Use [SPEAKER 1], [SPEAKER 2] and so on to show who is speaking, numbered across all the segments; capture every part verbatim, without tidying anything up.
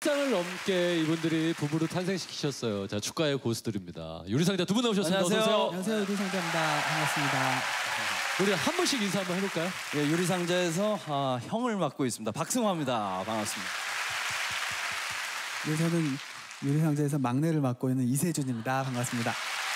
[SPEAKER 1] 장을 넘게 이분들이 부부를 탄생시키셨어요. 자, 축가의 고수들입니다. 유리상자 두 분 나오셨습니다.
[SPEAKER 2] 안녕하세요.
[SPEAKER 1] 어서 오세요.
[SPEAKER 3] 안녕하세요. 유리상자입니다. 반갑습니다.
[SPEAKER 1] 우리 한 분씩 인사 한번 해볼까요?
[SPEAKER 2] 예, 유리상자에서 아, 형을 맡고 있습니다. 박승화입니다. 반갑습니다.
[SPEAKER 3] 네, 저는 유리상자에서 막내를 맡고 있는 이세준입니다. 반갑습니다.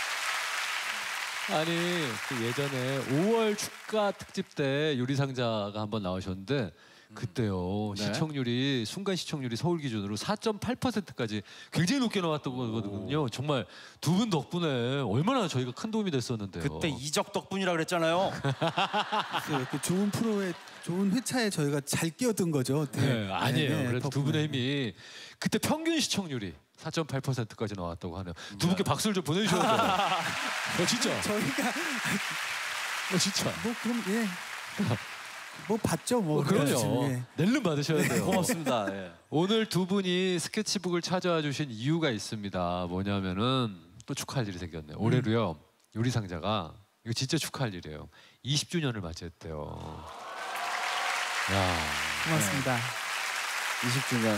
[SPEAKER 1] 아니, 그 예전에 오월 축가 특집 때 유리상자가 한번 나오셨는데 그때요,
[SPEAKER 2] 네.
[SPEAKER 1] 시청률이, 순간 시청률이 서울 기준으로 사 점 팔 퍼센트까지 굉장히 높게 나왔던 거거든요. 오. 정말 두 분 덕분에 얼마나 저희가 큰 도움이 됐었는데요.
[SPEAKER 2] 그때 이적 덕분이라 그랬잖아요.
[SPEAKER 3] 그, 그 좋은 프로에, 좋은 회차에 저희가 잘 끼어든 거죠. 네,
[SPEAKER 1] 네, 아니에요.
[SPEAKER 3] 네, 네,
[SPEAKER 1] 그래도 두
[SPEAKER 3] 덕분에.
[SPEAKER 1] 분의 힘이 그때 평균 시청률이 사 점 팔 퍼센트까지 나왔다고 하네요. 두 분께 박수를 좀 보내주셔야 돼요. 어, 진짜.
[SPEAKER 3] 저희가
[SPEAKER 1] 어, 진짜.
[SPEAKER 3] 뭐 그럼 예. 뭐 봤죠 뭐.
[SPEAKER 1] 어, 그럼요.
[SPEAKER 3] 예.
[SPEAKER 1] 낼름 받으셔야 돼요.
[SPEAKER 2] 고맙습니다. 예.
[SPEAKER 1] 오늘 두 분이 스케치북을 찾아와 주신 이유가 있습니다. 뭐냐면은 또 축하할 일이 생겼네요. 올해로요, 유리상자가 이거 진짜 축하할 일이에요. 이십 주년을 맞이했대요. 야,
[SPEAKER 3] 고맙습니다.
[SPEAKER 2] 이십 주년.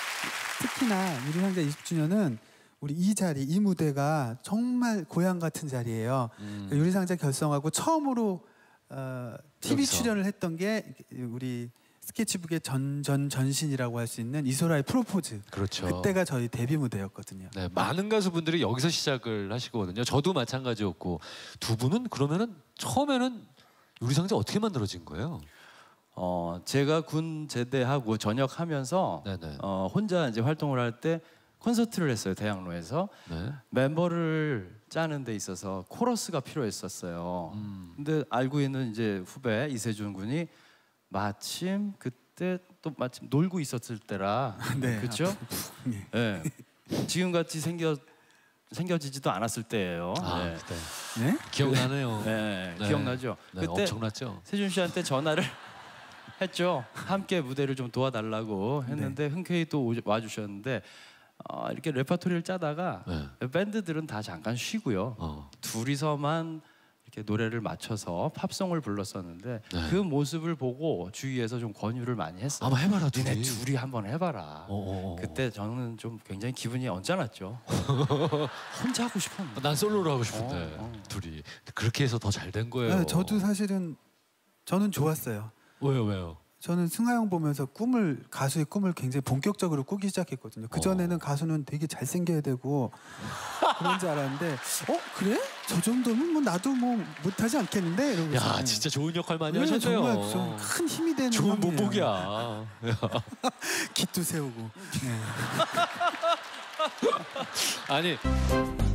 [SPEAKER 3] 특히나 유리상자 이십 주년은 우리 이 자리, 이 무대가 정말 고향 같은 자리예요.
[SPEAKER 1] 음.
[SPEAKER 3] 유리상자 결성하고 처음으로 어, 티비
[SPEAKER 1] 여기서.
[SPEAKER 3] 출연을 했던 게 우리 스케치북의 전전 전신이라고 할 수 있는 이소라의 프로포즈.
[SPEAKER 1] 그렇죠.
[SPEAKER 3] 그때가 저희 데뷔 무대였거든요.
[SPEAKER 1] 네, 많은 가수분들이 여기서 시작을 하시거든요. 저도 마찬가지였고. 두 분은 그러면은 처음에는 유리상자 어떻게 만들어진 거예요?
[SPEAKER 2] 어, 제가 군 제대하고 전역하면서
[SPEAKER 1] 네네.
[SPEAKER 2] 어, 혼자 이제 활동을 할 때 콘서트를 했어요. 대학로에서.
[SPEAKER 1] 네.
[SPEAKER 2] 멤버를 짜는 데 있어서 코러스가 필요했었어요.
[SPEAKER 1] 음.
[SPEAKER 2] 근데 알고 있는 이제 후배 이세준 군이 마침 그때 또 마침 놀고 있었을 때라.
[SPEAKER 3] 네,
[SPEAKER 2] 그렇죠?
[SPEAKER 3] 네.
[SPEAKER 2] 네. 지금 같이 생겨 생겨지지도 않았을 때예요.
[SPEAKER 1] 아,
[SPEAKER 2] 네.
[SPEAKER 1] 그때.
[SPEAKER 3] 네?
[SPEAKER 1] 기억나네요.
[SPEAKER 2] 네,
[SPEAKER 1] 네.
[SPEAKER 2] 기억나죠?
[SPEAKER 1] 네,
[SPEAKER 2] 그때
[SPEAKER 1] 엄청났죠.
[SPEAKER 2] 세준 씨한테 전화를 했죠. 함께 무대를 좀 도와달라고 했는데
[SPEAKER 3] 네.
[SPEAKER 2] 흔쾌히 또 와주셨는데 어, 이렇게 레퍼토리를 짜다가
[SPEAKER 1] 네.
[SPEAKER 2] 밴드들은 다 잠깐 쉬고요.
[SPEAKER 1] 어.
[SPEAKER 2] 둘이서만 이렇게 노래를 맞춰서 팝송을 불렀었는데
[SPEAKER 1] 네.
[SPEAKER 2] 그 모습을 보고 주위에서 좀 권유를 많이 했어요.
[SPEAKER 1] 한번 해봐라,
[SPEAKER 2] 니네
[SPEAKER 1] 둘이.
[SPEAKER 2] 둘이 한번 해봐라.
[SPEAKER 1] 어어어.
[SPEAKER 2] 그때 저는 좀 굉장히 기분이 언짢았죠. 혼자 하고 싶었는데.
[SPEAKER 1] 난 솔로로 하고 싶은데
[SPEAKER 2] 어, 어.
[SPEAKER 1] 둘이 그렇게 해서 더 잘 된 거예요.
[SPEAKER 3] 네, 저도 사실은 저는 좋았어요.
[SPEAKER 1] 왜요, 왜요?
[SPEAKER 3] 저는 승하 형 보면서 꿈을, 가수의 꿈을 굉장히 본격적으로 꾸기 시작했거든요. 그 전에는
[SPEAKER 1] 어.
[SPEAKER 3] 가수는 되게 잘생겨야 되고 그런 줄 알았는데, 어 그래? 저 정도면 뭐 나도 뭐 못하지 않겠는데? 이러고
[SPEAKER 1] 야,
[SPEAKER 3] 있었어요.
[SPEAKER 1] 진짜 좋은 역할 많이
[SPEAKER 3] 네,
[SPEAKER 1] 하셨네요.
[SPEAKER 3] 정말 좀 큰 힘이 되는
[SPEAKER 1] 좋은
[SPEAKER 3] 형이에요.
[SPEAKER 1] 본보기야.
[SPEAKER 3] 깃도 세우고. 네.
[SPEAKER 1] 아니.